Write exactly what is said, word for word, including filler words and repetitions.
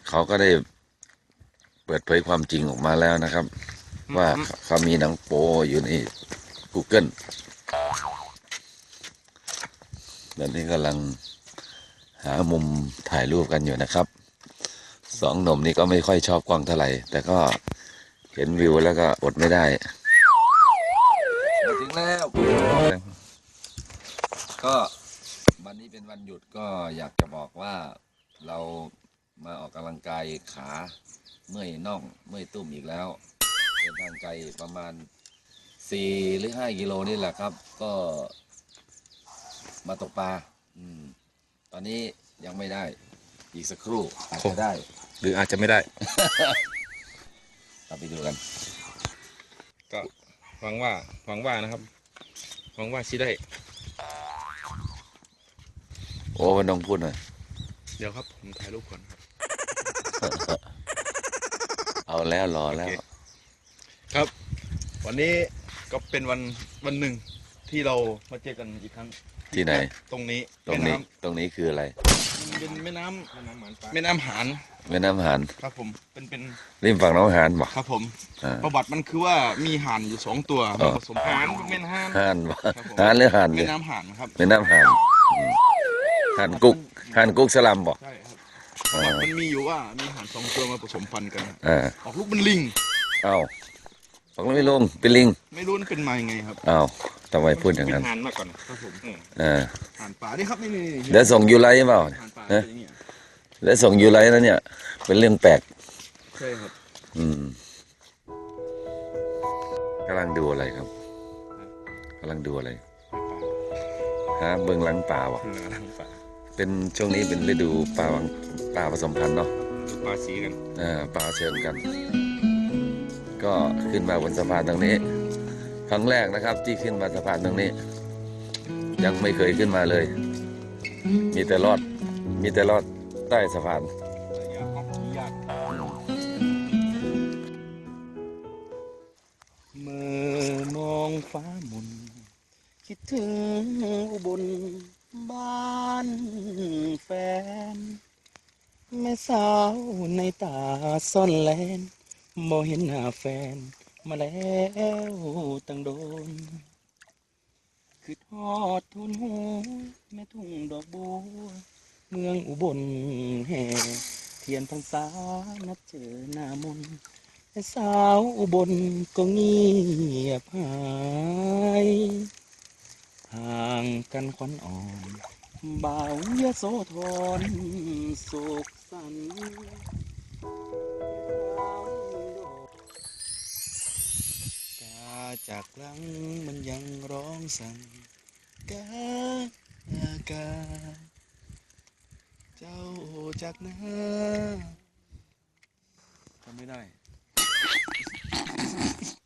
เขาก็ได้เปิดเผยความจริงออกมาแล้วนะครับ ว่าเขามีหนังโป๊อยู่ใน Google ตอนนี้กำลังหามุมถ่ายรูปกันอยู่นะครับสองหนุ่มนี้ก็ไม่ค่อยชอบกล้องเท่าไหร่แต่ก็เห็นวิวแล้วก็อดไม่ได้มาถึงแล้วก็วันนี้เป็นวันหยุดก็อยากจะบอกว่าเรามาออกกำลังกายขาเมื่อยน่องเมื่อยตุ้มอีกแล้วเดินทางไกลประมาณสี่หรือห้ากิโลนี่แหละครับก็มาตกปลาอืมตอนนี้ยังไม่ได้อีกสักครู่อาจจะได้หรืออาจจะไม่ได้เราไปดูกันก็หวังว่าหวังว่านะครับหวังว่าชิได้โอ้มันต้องพูดหน่อยเดี๋ยวครับผมถ่ายรูปก่อนครับเอาแล้วรอแล้วครับวันนี้ก็เป็นวันวันหนึ่งที่เรามาเจอกันอีกครั้งที่ไหนตรงนี้ตรงนี้ตรงนี้คืออะไรเป็นแม่น้ำแม่น้ำหานแม่น้ำหานแม่น้ำหานครับผมเป็นเป็นริมฝั่งน้องหานบ่ครับผมประวัติมันคือว่ามีห่านอยู่สองตัวผสมหานแม่น้ำหานหานหานหรือหานแม่น้ำหานครับแม่น้ำหานหานกุ๊กหานกุ๊กสลัมบ่ใช่ครับมันมีอยู่ว่ามีห่านสองตัวมาผสมพันธุ์กันออกลูกเป็นลิงอ้าวออกลูกไม่ลงเป็นลิงไม่รู้เป็นมายังไงครับอ้าวทำไมพูดอย่างนั้นห่านมาก่อนครับผมอ่าห่านป่านี่ครับนี่เดี๋ยวส่งยูไลเปล่าแล้วส่งยูไลแล้วเนี่ยเป็นเรื่องแปลกใช่ครับอืมกำลังดูอะไรครับกำลังดูอะไรฮะเบิ่งหลังป่าวะเป็นช่วงนี้เป็นฤดูปลาปลาผสมพันธุ์เนาะปลาสีกันอ่าปลาเชิญกันก็ขึ้นมาบนสะพานตรงนี้ครั้งแรกนะครับที่ขึ้นมาสะพานตรงนี้ยังไม่เคยขึ้นมาเลยมีแต่รอดมีแต่รอดใต้สะพานเมื่อมองฟ้ามุนคิดถึงอุบลบ้านแฟนแม่สาวในตาซ่อนแลนบ่เห็นหน้าแฟนมาแล้วตั้งโดนคือทอดทุนหูแม่ทุ่งดอกบัวเมืองอุบลแห่เทียนพรรษานัดเจอหน้ามนแม่สาวอุบลก็เงียบหายห่างกันควันอ่อนบ่าวยโสธรโศกสันกาจากหลังมันยังร้องสั่งกากาเจ้าจากหน้าทำไม่ได้